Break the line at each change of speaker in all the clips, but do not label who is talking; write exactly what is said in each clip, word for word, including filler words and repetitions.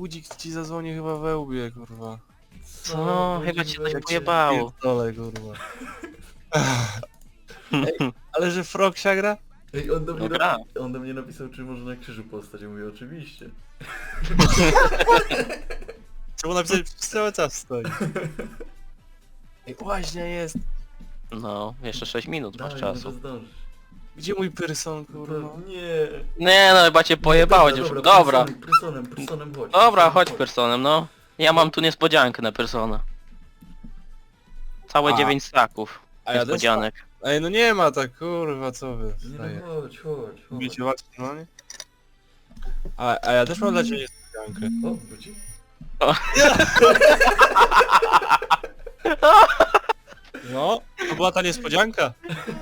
budzik ci zadzwoni chyba we łbie, kurwa.
Co? Chyba cię coś
Jak
pojebało.
Dole, kurwa. Ej, ale że Frogsia gra?
Ej, on do, mnie
No gra.
napi- on do mnie napisał, czy może na krzyżu postać. Ja mówię, oczywiście.
Czemu napisać przez cały czas stoi? Ej, łaźnia jest.
No, jeszcze sześć minut masz
Dawaj,
czasu.
może zdążysz.
Gdzie mój person, kurwa?
To, nie.
Nie no, chyba cię pojebałeś już. Dobra.
Personem, personem, personem chodź.
Dobra,
personem
chodź personem, no. Ja mam tu niespodziankę na persona. Całe
A.
dziewięć staków
A ja też
niespodzianek.
Ej, no nie ma tak, kurwa, co wy?
Nie
Daję.
no, chodź, chodź, chodź.
Wiecie właśnie, no nie? A, a ja też mam dla ciebie niespodziankę.
O, budzi?
No, to była ta niespodzianka.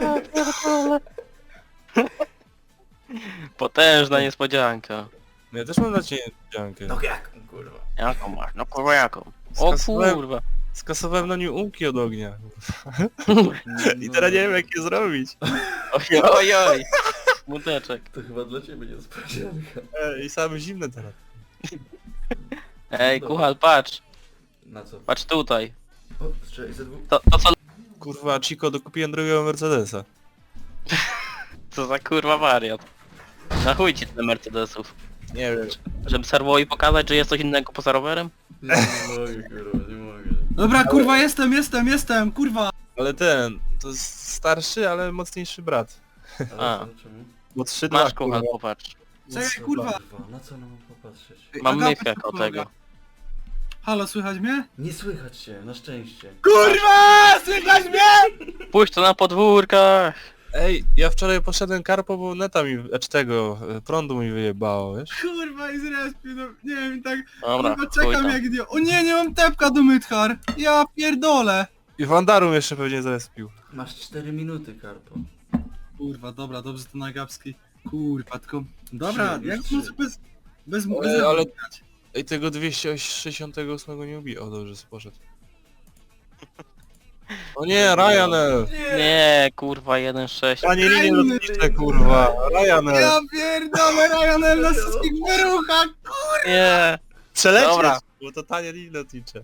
Potężna niespodzianka.
No ja też mam dla ciebie niespodziankę.
No jak, kurwa.
Jaką masz? No kurwa jaką? O
Skasowałem-
kurwa.
Skasowałem na nim umki od ognia.
No,
I teraz nie wiem jak je zrobić.
Oj, oj, oj. Smuteczek.
To chyba dla ciebie niespodzianka.
Ej, i same zimne teraz.
Ej, kuchal, patrz.
Na co?
Patrz tutaj.
O, strzelaj ze dwóch.
To, to co...
Kurwa, Chico, dokupiłem drugiego Mercedesa.
Co za kurwa wariat. Na chuj ci tyle Mercedesów.
Nie wiem.
Żeby serwowi pokazać, że jest coś innego poza rowerem?
Nie, nie mogę, kurwa, nie mogę.
Dobra, kurwa, jestem, jestem, jestem, kurwa!
Ale ten, to jest starszy, ale mocniejszy brat.
Ale
A.
co, czemu?
Bo trzy
Masz
dwa,
kuchal,
kurwa.
popatrz.
Czekaj, kurwa!
Na co nam popatrzeć?
Ej,
Mam
Agata
myfę
ci
o
pomaga.
tego.
Halo, słychać mnie?
Nie słychać się, na szczęście.
Kurwa! Słychać mnie?!
Pójdź to na podwórkach!
Ej, ja wczoraj poszedłem karpo, bo neta mi, znaczy tego, e, prądu mi wyjebało, wiesz?
Kurwa, i zrespił, no, nie wiem, tak,
Dobra,
kurwa,
chuj
czekam
tam.
jak idiot. O nie, nie mam tepka do Mythar! Ja pierdolę!
I Wandarum jeszcze pewnie zarespił.
Masz cztery minuty, Karpo.
Kurwa, dobra, dobrze to Nagapski. Kurwa, tylko... Dobra,
Trzy,
jak
już
może
trzy.
bez... Bez...
Ale-
bez
ale-
grać?
Ej, tego dwieście sześćdziesiąt osiem nie ubi. O, dobrze, poszedł. O nie, Ryanair!
Nie, kurwa, jeden sześć.
Panie linie lotnicze, kurwa! Ryanair!
Ja pierdolę, Ryanair na wszystkich wyruchach!
Nie.
Przelecieć!
Dobra.
Bo to tanie linie lotnicze.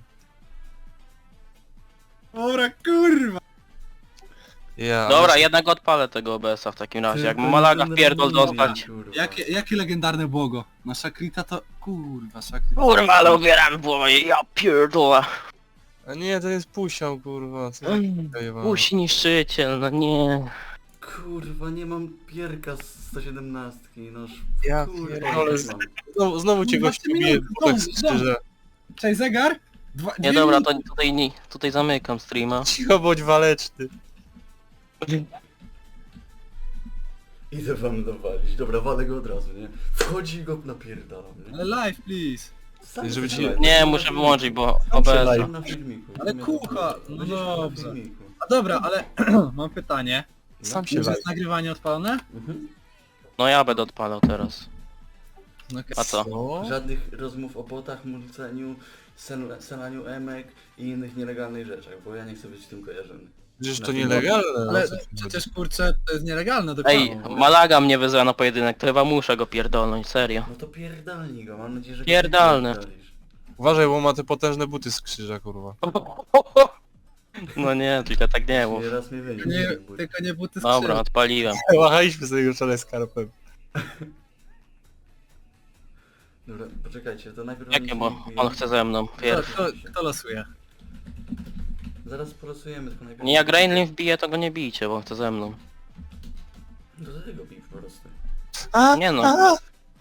Dobra, kurwa!
Ja,
Dobra, jednak odpalę tego O B S-a w takim razie. Jak
Tylko
Malaga
nie
pierdol
denerwuj mnie,
dostać.
kurwa.
Jakie, jakie legendarne błogo? Nasza Krita to... Kurwa, Shakrita...
Kurwa, ale ubieram głowę, ja pierdolę.
A nie, to jest pusią, kurwa. Co
Mm,
za jebana.
Pusi niszczyciel, no nie.
Kurwa, nie mam pierka z sto siedemnastki, noż...
Ja
Kurwa,
pierdolę.
nie mam.
Znowu, znowu cię gościu
dwanaście
bije,
minut,
bo tak
zdąż, zdąż.
szczerze.
Cześć, zegar? Dwa,
Nie
dwie
dobra,
minuty.
to tutaj, nie, tutaj zamykam streama.
Cicho bądź waleczny.
Idę wam dowalić. Dobra, walę go od razu, nie? Wchodzi i go napierdalam, nie?
Ale live, please.
Sam
Żeby
się
ci-
live,
Nie,
to
muszę
na
wyłączyć, bo
filmiku.
O B S...
Mam na filmiku.
Ale
Nie,
kucha,
to-
no
będziesz miał na
dobrze.
filmiku.
A dobra, ale mam pytanie.
Sam się
Już
laj.
jest nagrywanie odpalone?
Mhm.
No ja będę odpalał teraz.
No okej.
A co?
Co?
Żadnych rozmów o botach, mulceniu, sel- selaniu emek i innych nielegalnych rzeczach, bo ja nie chcę być z tym kojarzony.
Przecież
Na
to
filmiku.
nielegalne.
Ale
o co ci chodzi?
przecież kurczę, to jest nielegalne do
Ej,
końca.
Malaga mnie wyzywa na pojedynek, to chyba muszę go pierdolnąć, serio.
No to pierdalnij go, mam nadzieję, że... go
Pierdalny.
nie pierdolisz.
Uważaj, bo ma te potężne buty z krzyża, kurwa.
No nie, tylko tak nie mów.
Nie raz mnie wyniósł.
Nie,
ten but.
tylko nie buty z
Dobra,
krzyża.
odpaliłem.
Łachaliśmy sobie już wczoraj skarpem.
Dobra, poczekajcie, to najpierw...
Jakie,
mam
bo
filmik.
on chce ze mną.
Kto,
Pierw.
kto, kto losuje?
Zaraz porosujemy, tylko najpierw...
Nie, jak Rainlin wbije, to go nie bijcie, bo on chce ze mną.
Do tego bij po prostu.
Nie no.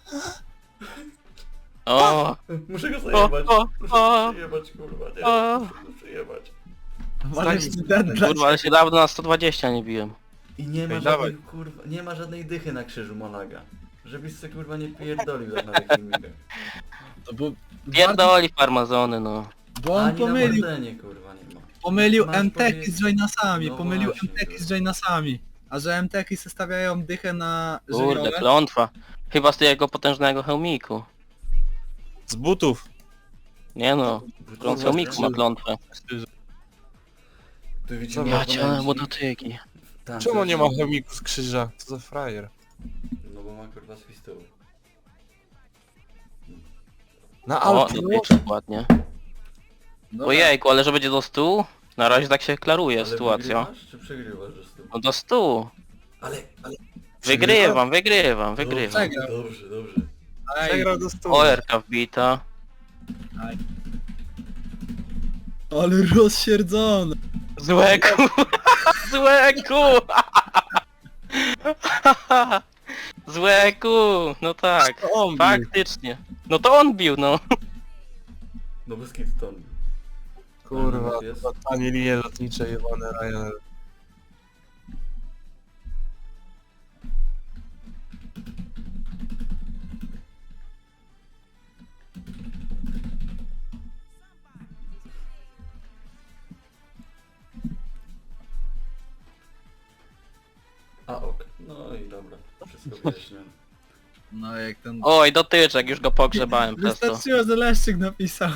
O,
Muszę go
o,
zajebać.
o,
Muszę
o,
go przyjebać, kurwa, nie.
o.
Muszę go przyjebać.
Walisz deadline.
Kurwa, ale się dawno na sto dwadzieścia nie biłem.
I nie ma
Ej,
żadnej,
dawaj.
kurwa, nie ma żadnej dychy na krzyżu Malaga. Żebyś se kurwa nie pierdolił tak na tych filmikach.
To bo,
Pierdoli farmazony, no.
bo on
Ani na
pomylił,
Mordenie, kurwa, nie ma.
pomylił
Masz
M T K
powiedzieć-
z Joinasami,
No
pomylił
właśnie,
M T K z
kurwa.
Joinasami. A że M T K stawiają dychę na
Kurde,
żywiołę,
klątwa. Chyba z tego potężnego hełmiku.
Z butów.
Nie no, kląt hełmiku ma klątwę.
Tu widzimy
Co
Ja
oponenci.
cię, bo dotyki.
Tam
Czemu
coś-
nie ma chemiku z krzyża? Co za frajer?
No bo ma kurwa swój stół.
Na
O,
Alpie.
dotyczek ładnie.
Dobra,
Ojejku, ale że będzie do stu? Na razie tak się klaruje
ale
sytuacja.
wygrywasz, czy przegrywasz, że z tym?
No do stu.
Ale, ale...
Wygrywam, wygrywam, wygrywam.
Dobrze, dobrze, dobrze.
Przegrał do stu.
O, R K wbita.
Ale rozsierdzony.
Złeku! Złeku! Złeku! No tak,
To on bił.
faktycznie. No to on bił, no.
No bez kitu to on.
Kurwa,
Ale jest.
to tanie linie lotnicze jebane Ryanair.
A ok, no i dobra, wszystko wyjaśnione.
No jak ten...
Oj, dotyczek, już go pogrzebałem przez to.
Wystarczyło, że Leszczyk napisał.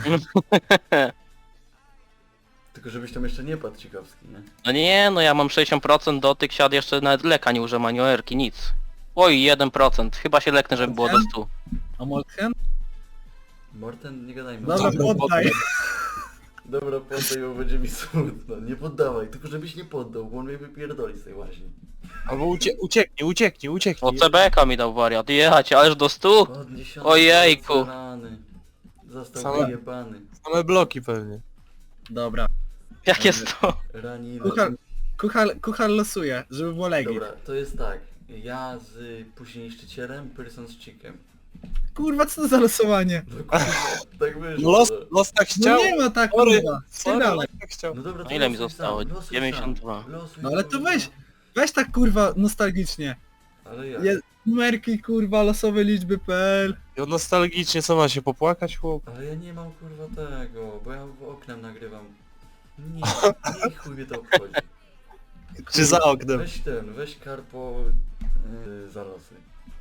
Tylko żebyś tam jeszcze nie padł ciekawski, nie?
No nie, no ja mam sześćdziesiąt procent dotyk, siad jeszcze nawet leka nie używam, ani O R ki, nic. Oj, jeden procent. Chyba się leknę, żeby było do stu.
A Moltken?
Morten, nie gadajmy.
Dobra,
Dobra,
poddaj.
Dobra, poddaj, bo będzie mi smutno. Nie poddawaj, tylko żebyś nie poddał, bo on mnie wypierdoli z tej łaźni.
Albo ucie ucieknij, ucieknij,
O,
ucieknij.
C B K mi dał wariat, jechać, ależ do stu?
Podniesiony,
Ojejku.
rany. Został
Same-
wyjebany.
Same bloki pewnie.
Dobra.
Jak jest to?
Raniny.
Kuchar, kuchar, kuchar losuje, żeby było legit.
Dobra, to jest tak. Ja z później niszczycielem, Person z Chickiem.
Kurwa, co to za losowanie?
No kurwa, tak wyszło.
Los,
no.
los tak
No
chciał.
nie ma tak,
Sorry,
kurwa.
sorry,
Spierdalaj.
los tak chciał.
No dobra, to
No ile mi
losuj
zostało?
sam, losuj
dziewięćdziesiąt dwa.
sam. Losuj
No ale
sam,
to weź,
sam.
weź tak kurwa nostalgicznie.
Ale ja.
Je, numerki kurwa, losowe liczby P L.
I on nostalgicznie, co ma się popłakać, chłop?
Ale ja nie mam kurwa tego, bo ja w oknem nagrywam. Nie, nie chuj mnie to obchodzi.
Czy za oknem?
Weź ten, weź karpo yy, za losy.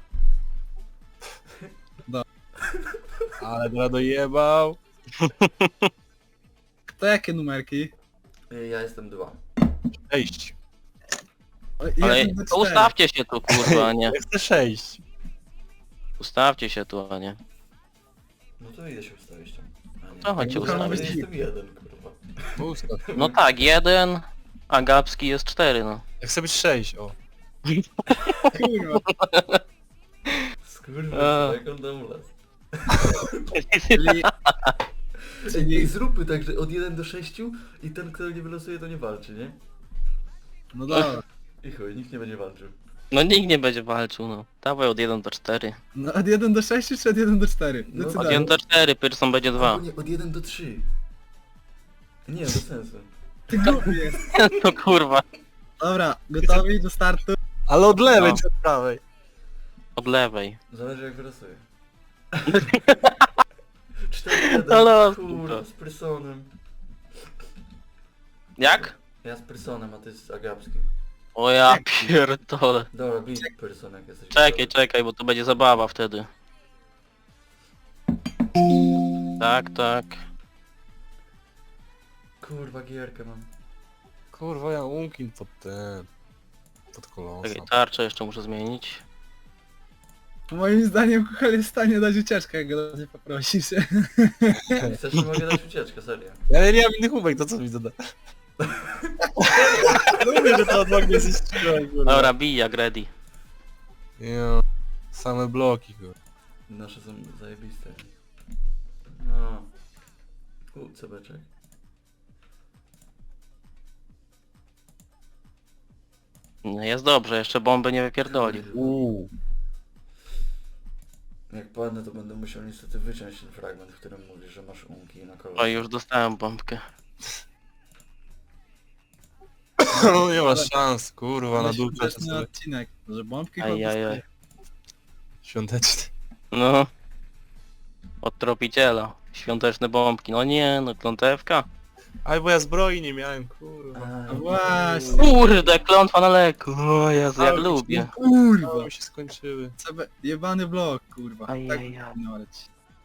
Ale gra dojebał.
To jakie numerki?
Yy, ja jestem dwa.
Sześć.
O,
Ale
jeden do
to
czterech.
ustawcie się tu, kurwa, a nie.
Ja chcę sześć.
Ustawcie się tu, a nie.
No to idę się ustawić tam. A nie.
To chodźcie
Kurwa,
ustawić.
ja jestem jeden kurwa.
Ustaw.
No tak, jeden, a Gapski jest cztery, no.
Ja chcę być sześć, o.
Kurwa.
Skurwa, jak on tam las.
Czyli,
Ej,
czyli,
ej, zróbmy tak, że od jeden do sześciu i ten kto nie wylosuje to nie walczy, nie?
no dobra.
I chuj, nikt nie będzie walczył.
No nikt nie będzie walczył, no. Dawaj od jeden do cztery.
No od jeden do sześciu czy od jeden do czterech?
No,
Od
Decydaj.
jeden do cztery, Pearson będzie dwa.
Albo nie, od jeden do trzy. Nie, bez sensu.
Ty głupi jest.
No kurwa.
Dobra, gotowi do startu?
Ale od lewej
No.
czy od prawej?
Od lewej.
Zależy jak wylosuje. cztery jeden,
Ale-
kurwa, z Prysonem.
Jak?
Ja z Prysonem, a ty z Agapskim.
O ja pierdolę.
Dobra, bij Pryson jak jesteś
Czekaj,
gotowy.
czekaj, bo to będzie zabawa wtedy. Tak, tak.
Kurwa, gierkę mam.
Kurwa, ja umkin pod ten... Pod kolosem.
Czekaj, tarczę jeszcze muszę zmienić.
Moim zdaniem kuchar jest w stanie dać ucieczkę, jak go nie poprosisz.
Jak chcesz, to mogę dać ucieczkę, serio.
Ja nie mam innych umek, to co mi zada? Lubię, że to od magnie zniszczyłem, kurwa.
Dobra, bij jak ready.
Jo, same bloki, kurwa.
Nasze są zajebiste. No. U, cebeczek.
No jest dobrze, jeszcze bomby nie wypierdoli.
Uuu.
Jak padnę, to będę musiał niestety wyciąć ten fragment, w którym mówisz, że masz unki na kolor.
Oj, już dostałem bombkę.
No nie ma szans, kurwa, na dół
Świąteczny
sobie
odcinek, że bombki
Ajajaj.
świąteczny.
No. Od tropiciela. Świąteczne bombki. No nie, no klątewka.
Aj, bo ja zbroi nie miałem, kurwa.
A,
No właśnie.
Kurde, klątwa na leku. O Jezu, jak
Ale
lubię.
Kurwa.
No, mi się skończyły.
C B, jebany blok, kurwa.
Ajajaj.
Tak powinno lecieć.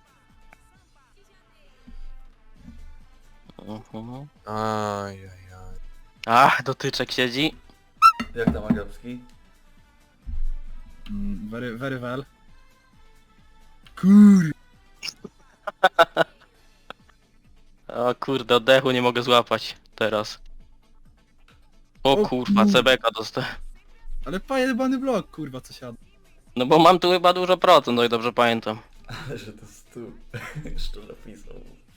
Mhm.
Ajajaj.
Ach, dotyczek siedzi.
Jak tam Agapski?
Mm, very, very well. Kur...
O kurde, oddechu nie mogę złapać teraz. O
O
kurwa,
kur-
C B K dostałem.
Ale pojebany blok, kurwa, co siada.
No bo mam tu chyba dużo procent, o ile dobrze pamiętam.
Ale że to stu. Jeszcze napisał.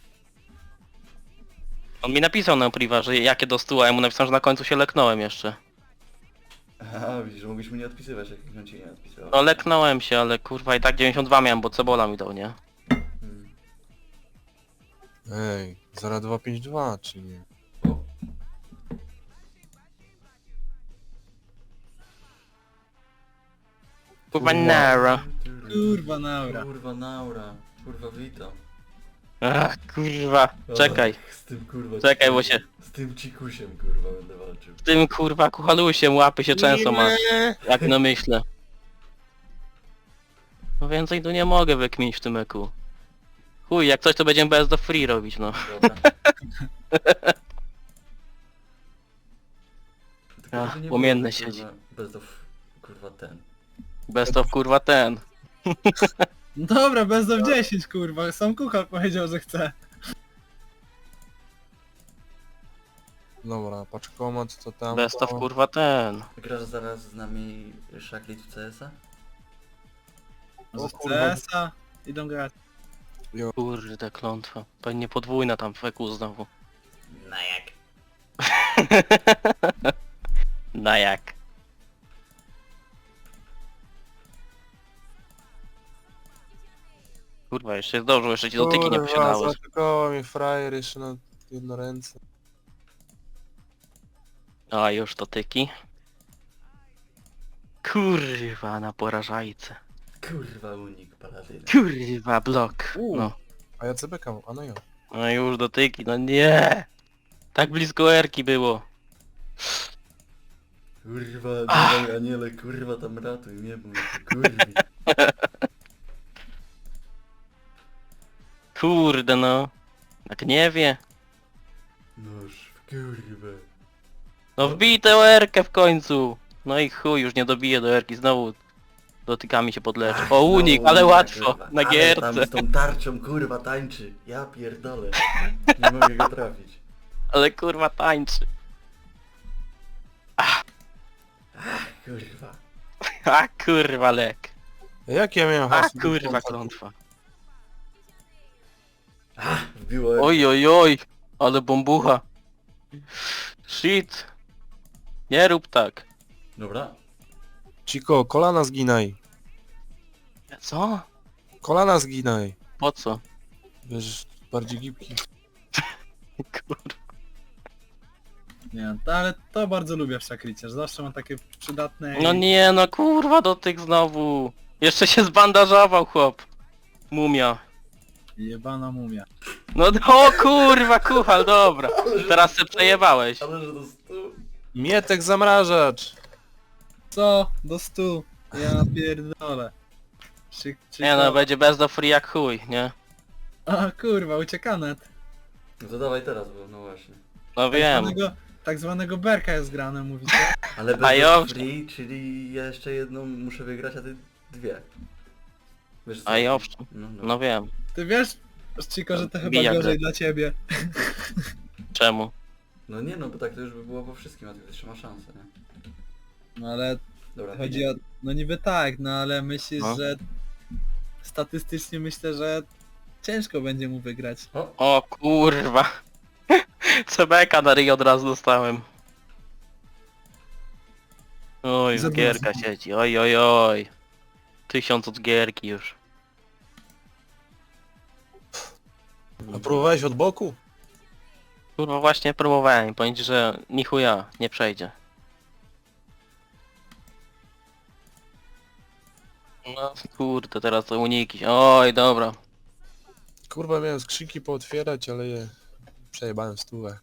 On mi napisał na priwa, że jakie do stu, a ja mu napisałem, że na końcu się leknąłem jeszcze.
Aha, widzisz, że mogłeś mu nie odpisywać, jak on ci nie odpisywał.
No leknąłem się, ale kurwa i tak dziewięćdziesiąt dwa miałem, bo Cebola mi dał, nie?
Hmm.
Ej, zero dwa pięć dwa, czy nie?
O,
Kurwa nara.
Kurwa, naura.
Kurwa naura. Kurwa witam.
Ach, kurwa. Czekaj.
O, z tym kurwa
Czekaj, bo
cikusiem.
się-
Z tym cikusiem kurwa będę walczył.
Z tym kurwa kuchalusiem łapy się często ma, jak no myślę. No więcej tu nie mogę wykminić w tym eku. Chuj, jak coś to będziemy best of free robić, no.
Dobra. Tylko
Ach,
żeby nie
płomienne
było,
siedzi.
kurwa, Bez of... kurwa ten.
Best of kurwa ten.
No dobra, bez do dziesięć, kurwa. Sam kuchar powiedział, że chce.
Dobra, paczkomat to tam.
Best of kurwa ten.
Grasz zaraz z nami Szaklit w C S a?
Może
O
w
kurwa.
C S a idą grać.
Kurde klątwa. Pewnie podwójna tam w eku znowu.
Na jak?
Na jak? Kurwa, jeszcze zdążył, jeszcze ci dotyki nie posiadały.
Zaatakował mnie frajer jeszcze na jedno ręce.
A już dotyki. Kurwa na porażajce.
Kurwa unik paladyna.
Kurwa blok.
U.
No.
A ja C B K mam, a no ja.
No już dotyki, no nie. Tak blisko erki było.
Kurwa, dawaj aniele, kurwa tam ratuj mnie, bo mnie to kurwi.
Kurde no. Tak nie wie.
Noż w kurwę.
No wbij tę erkę w końcu. No i chuj, już nie dobije do erki, znowu dotykami się podleczy. O unik,
Znowu
ale
unik,
łatwo,
kurwa.
na
Ale
gierce.
tam z tą tarczą kurwa tańczy. Ja pierdolę. Nie mogę go trafić.
Ale kurwa tańczy.
Kurwa.
A kurwa lek.
Jak ja miałem
A
hasło?
kurwa klątwa.
Wbiło.
Oj oj oj, ale bombucha. Shit. Nie rób tak.
Dobra.
Ciko, kolana zginaj.
Co?
Kolana zginaj.
Po co?
Wiesz, bardziej gibki.
Kurwa.
Nie, to, ale to bardzo lubię w Szaklicie, że zawsze mam takie przydatne...
No nie no kurwa do tych znowu. Jeszcze się zbandażował chłop. Mumia.
Jebana mumia.
No o kurwa kuchal, dobra. Teraz se przejebałeś.
Ale że to stu.
Mietek zamrażacz.
Co? Do stu. Ja pierdolę. Czy, czy
Nie no, będzie bez do free jak chuj, nie?
A kurwa, uciekanet.
No to dawaj teraz, bo no właśnie.
No
Tak
wiem.
zwanego, tak zwanego berka jest grane, mówicie?
Ale
A
bez
ja-
free, czyli ja jeszcze jedną muszę wygrać, a ty dwie. Wiesz co?
A i owszem.
No, no.
No wiem.
Ty wiesz, Chico, że to chyba
Bijak
gorzej
grę.
dla ciebie.
Czemu?
no nie no, bo tak to już by było po wszystkim, a ty jeszcze ma szansę, nie?
No ale
Dobra,
chodzi o... No niby tak, no ale myślisz,
No.
że... Statystycznie myślę, że ciężko będzie mu wygrać.
O,
O kurwa. C B K na ryj od razu dostałem. Oj, z
Zabrałem.
gierka siedzi. Oj oj oj. Tysiąc od gierki już.
A próbowałeś od boku?
Kurwa właśnie próbowałem, powiem ci, że ni chuja nie przejdzie. No kurde, teraz to uniki. Oj, dobra.
Kurwa, miałem skrzynki pootwierać, ale je przejebałem stówę.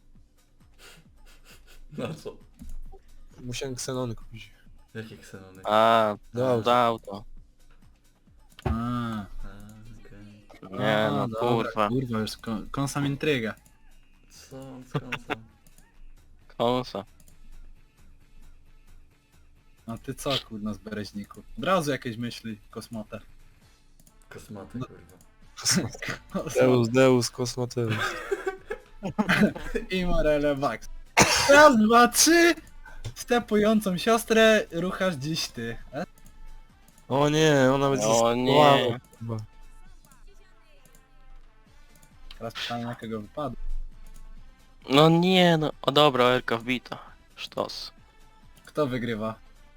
no co?
Musiałem ksenony kupić.
Jakie ksenony?
A,
Dobrze.
dał to.
A,
A, okej.
Nie
a,
no,
dobra,
kurwa.
Kurwa, już kon, kąsam intrygę.
Co? Skąd co?
Konsa.
A ty co, kurna, z bereźniku? Od razu jakieś myśli, kosmotę.
Kosmaty,
No.
kurwa.
Deus, Deus, Kosmoteus.
I Morele Max. Raz, dwa, trzy! Stepującą siostrę ruchasz dziś ty. E?
O nie, ona będzie
O nie.
zastosowana chyba.
Teraz pytanie na kogo wypadł.
No nie no, o dobra, Erka wbita. Sztos.
Kto wygrywa?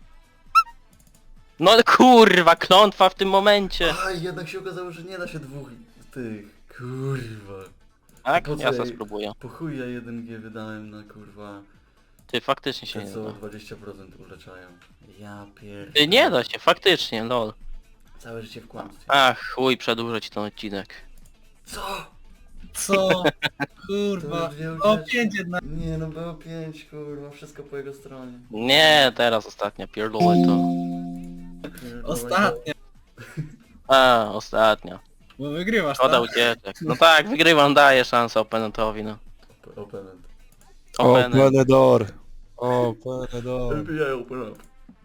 No kurwa, klątwa w tym momencie.
A jednak się okazało, że nie da się dwóch tych. Kurwa.
Tak?
po co
Ja sobie
jej-
spróbuję.
Po chuj ja jeden G wydałem na kurwa.
Ty, faktycznie się
Te
nie
co
da.
dwadzieścia procent uleczają. Ja pier...
Ty, nie da się, faktycznie, lol.
Całe życie w kłamstwie.
Ach, chuj, przedłużę ci ten odcinek.
Co?
Co?
To
Kurwa.
już dwie
O
ucieczki.
pięć jednak.
Nie no, było pięć, kurwa, wszystko po jego stronie.
Nie, teraz ostatnia, pierdolę to.
Pierdolę.
Ostatnia.
A, ostatnia.
Bo wygrywasz,
Szkoda
tak?
ucieczek. No tak, wygrywam, daję szansę oponentowi, no.
Op- Opponent.
Opener.
Open door. Open door.
L P I open up.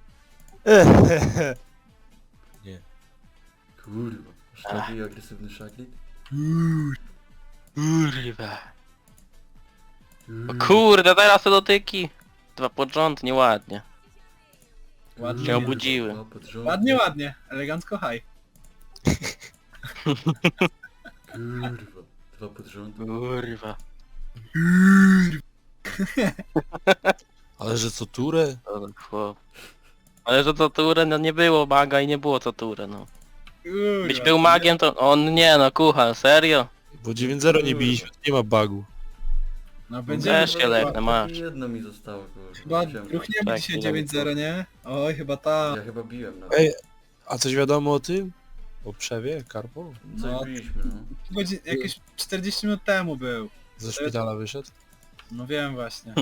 Kurwa. Sztaki agresywny szaklit?
Kurwa. O kurde, teraz te dotyki. Dwa pod rząd, nieładnie.
Ładnie.
się obudziły.
Dwa pod rząd.
Ładnie, ładnie. Elegancko high.
Kurwa. Dwa pod rząd.
Kurwa.
Ale że co turę?
Ale chłop. Ale że to turę, no nie było maga i nie było co turę, no.
Kurwa.
Byś był magiem, to on nie no, kucha, serio?
Bo dziewięć zero nie biliśmy, nie ma bugu.
No będziemy...
Też się leknę, masz.
Jedno mi zostało, kurwa.
Chyba
Chciałem-
ruchniemy
Tak,
dzisiaj
nie
dziewięć zero, nie? Oj, chyba ta.
Ja chyba biłem nawet.
Ej, a coś wiadomo o tym? O przewie, Karpo?
Coś
no.
biliśmy, no.
Godzin... Jakieś czterdzieści minut temu był.
Ze szpitala wyszedł?
No wiem właśnie.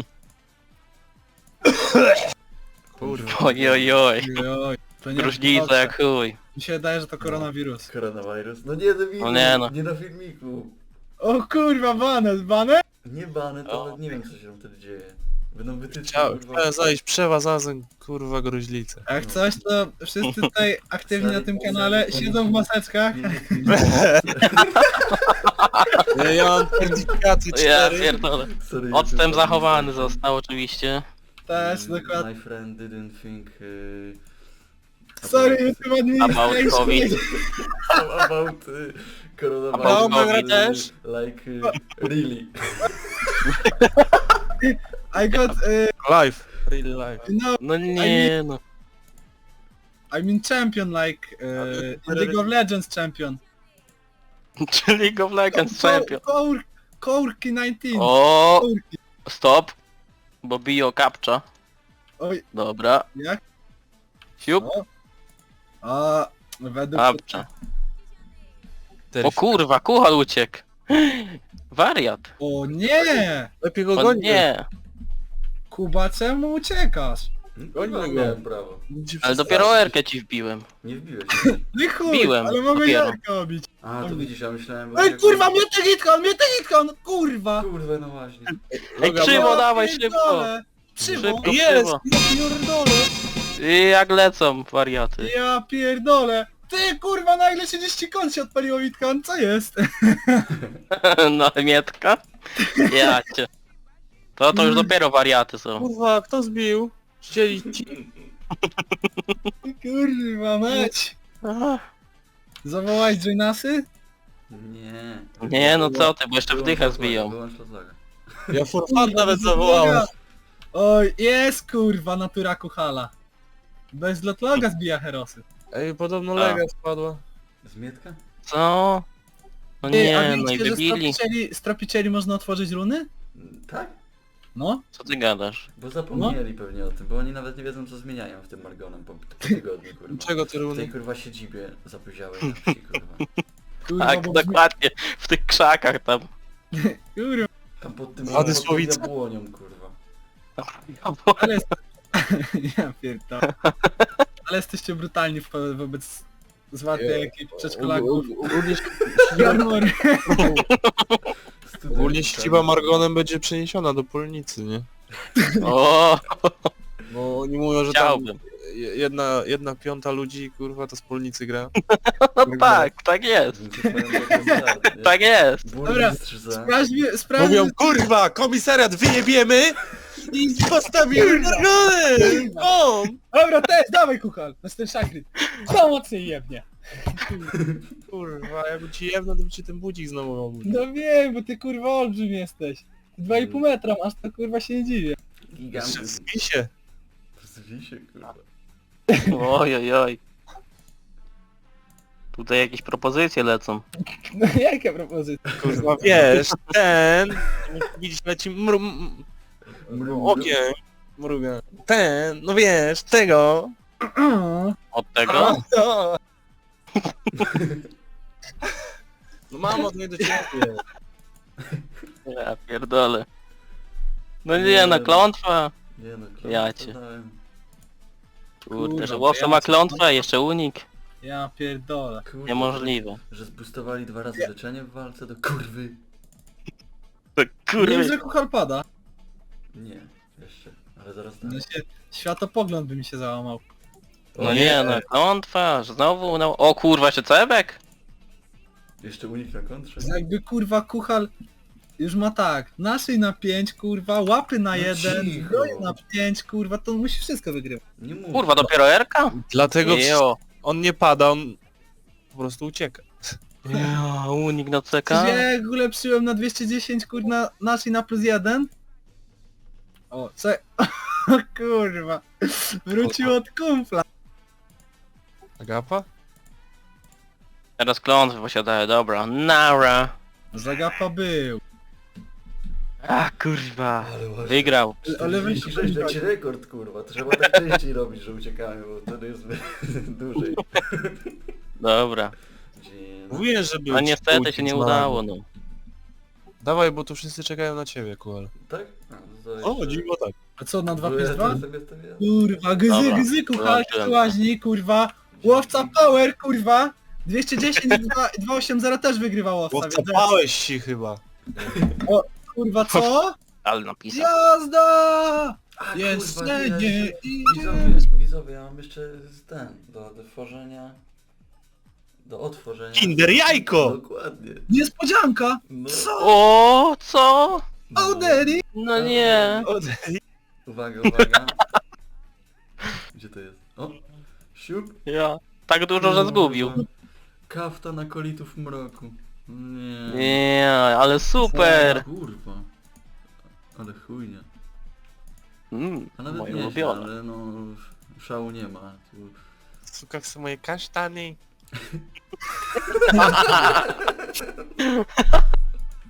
Kurwa.
Oj, oj, oj.
Oj, oj. To nie
Różnica jak chuj.
Mi się wydaje, że to koronawirus.
Koronawirus. No nie, debilu.
No nie, no.
Nie na filmiku.
O kurwa, banet, banet?
Nie bany, to
O.
nawet nie wiem co się tam wtedy dzieje. Będą wytyczne,
Chciałem,
kurwa.
chciałem zajść przewa zazen, kurwa gruźlicę.
Jak coś, to wszyscy tutaj aktywni na tym kanale siedzą w maseczkach.
Nie, nie, nie.
Ja, ja mam certyfikaty
Ja
cztery.
pierdolę.
Sorry,
Odstęp
YouTube,
zachowany
sorry.
został oczywiście.
Też,
Mm,
dokładnie.
My friend didn't think... Uh,
Sorry, YouTube administration.
About COVID.
about uh, coronavirus.
About
COVID
też. Like uh, really.
I got, uh,
Live, really live.
no,
No nie no.
I mean champion, like, uh, in League of Legends champion.
Czy League of Legends champion.
Kour, Kourki dziewiętnaście.
O,
Kourki.
stop. Bo bio kapcza.
Oj,
Dobra.
jak?
Siup.
O. A, według...
Kapcza. O kurwa, kuchal uciekł. Wariat.
O nie!
Lepiej go
O
goni.
nie.
Kuba, czemu uciekasz?
Goni
go.
miałem prawo.
Ale dopiero Erkę ci wbiłem.
Nie wbiłeś mnie.
Nie chuj,
Biłem
ale mogę
dopiero.
Jarka obić.
A, to widzisz, ja myślałem...
Ej, kurwa, mnie ty hitkon, mnie ty hitkon, kurwa!
Kurwa, no właśnie.
Ej, krzywo,
Ja
dawaj, szybko.
pierdolę. Krzywo?
Szybko,
Jest!
krzywo.
Ja pierdolę!
I jak lecą wariaty.
Ja pierdolę! Ty kurwa, nagle trzydzieści kont się odpaliło Witkan, co jest?
No mietka? Ja cię. To to już dopiero wariaty są.
Kurwa, kto zbił? Chcieli ci.
Kurwa mać!
Ach,
Zawołać Joinasy?
Nie.
nie no co ty, bo jeszcze
Wyłącz
wdychę
Lotlaga,
zbiją.
Wyłącz Lotlaga.
Ja for fun nawet zawołałem.
Oj, jest kurwa, natura kuchala. Bez lotloga zbija herosy.
Ej, podobno
A.
lega spadła.
Zmietka?
Co? No
Ty, a
nie, no i
wiecie, że
wybili.
stropicieli, stropicieli można otworzyć runy?
Mm, Tak?
No.
Co ty gadasz?
Bo zapomnieli pewnie o tym, bo oni nawet nie wiedzą co zmieniają w tym Margonem po, po tygodniu, kurwa.
Czego ty
W tej
runy?
kurwa siedzibie zapoziałeś na wsi, kurwa.
Kurwa,
Tak,
bo brzmi-
dokładnie. W tych krzakach tam.
Kurwa,
Tam pod tym
Wady
pod tym
Słowice.
jabłonią, kurwa.
ale jest... ja pierdolę. Ale jesteście brutalni wo- wobec zwartej ekipy przedszkolaków.
Ogólnie,
January.
ogólnie siedziba Margonem będzie przeniesiona do Polnicy, nie?
O,
Bo oni mówią, że tam
chciałbym.
je- jedna, jedna piąta ludzi, kurwa, to wspólnicy gra.
No tak, tak jest. Tak jest.
Dobra, Sprawdź, mi- sprawdź,
Mówią, kurwa, komisariat wyjebiemy i postawimy drogony! O!
Dobra, też, dawaj kuchal, to jest ten szachryt. Co mocniej jebnie.
Kurwa, jakby ci jebno, to by ci ten budzik znowu obudził.
No wiem, bo ty kurwa olbrzym jesteś. dwa i pół metra masz, to kurwa się nie dziwię.
Gigant.
Zbij się.
Zwij się, kurwa.
Oj, oj, oj. Tutaj jakieś propozycje lecą.
No jaka propozycja?
Kurwa, wiesz, ten... Widzisz, leci mru... m-
Mru-
okiem. Mruga. Ten, no wiesz, tego.
Od tego?
No, no mam od niej do ciebie.
Ja pierdolę. No nie, no klątwa.
Nie no, klątwę
Ja cię.
dałem.
Kurde,
Kurwa,
że łowca
ja
ma
co-
klątwę, a jeszcze unik.
Ja pierdolę.
Kurwa,
Niemożliwe.
Że, że zboostowali dwa razy leczenie w walce, do kurwy.
To
Wiem,
kurde.
że kuchal pada.
Nie, jeszcze. Ale zaraz tak.
No się, światopogląd by mi się załamał.
No nie, no klątwa, że znowu no... O kurwa, jeszcze cebek?
Jeszcze unik na kontrze.
Jakby kurwa kuchal już ma tak, naszej na pięć kurwa, łapy na
No
jeden,
cicho.
zbroję na pięć kurwa, to musi wszystko wygrywać.
Nie mów.
Kurwa, dopiero Erka?
Dlatego
Jo.
on nie pada, on po prostu ucieka.
Jo, unik na C
Przecież
K.
ja jak ulepszyłem na dwieście dziesięć kurwa, naszej na plus jeden. O, co? O kurwa, wrócił od kumpla.
Agapa?
Teraz klątwy posiadają, dobra. Nara.
Zagapa był.
A kurwa.
Ale właśnie.
Wygrał.
Ale weź-
czterdzieści sześć to ci rekord, kurwa. To trzeba tak częściej robić, że uciekamy, bo wtedy jest dłużej.
Dobra.
Dzień.
Mówiłem, że był
No
ci
niestety
budzik
się nie
z
udało, no.
Dawaj, bo tu wszyscy czekają na ciebie, Kuel.
Tak? A, no to
O,
jeszcze-
dziwo tak.
A co, na dwa
Bo
plus
ja
dwa?
to sobie stawiałem.
Kurwa, gzy,
Dobra,
gzy, kuchal,
wyłączyłem.
łaźni, kurwa. Łowca power, kurwa. dwieście dziesięć, dwieście osiemdziesiąt też wygrywa łowca,
Bo
więc...
wcapałeś się chyba.
Kurwa, co?
Ale napisał.
Jazda!
A,
Jest
kurwa, ja
nie
jeszcze-
idzie.
Widzowie, widzowie, ja mam jeszcze ten, do, do tworzenia... Do otworzenia...
Kinder jajko!
Dokładnie.
Niespodzianka!
No,
Co?
O, co?
no.
Oh daddy!
No nie.
Uwaga, uwaga. Gdzie to jest? O! Siup!
Ja. Tak dużo, że zgubił.
Kafta na kolitów mroku. Nie.
Nie, ale super.
Kurwa. Ale chujnie.
Mm,
A nawet
moje
nie,
ulubione.
ale no... Szału nie ma. Tu...
Suka w moje kasztany.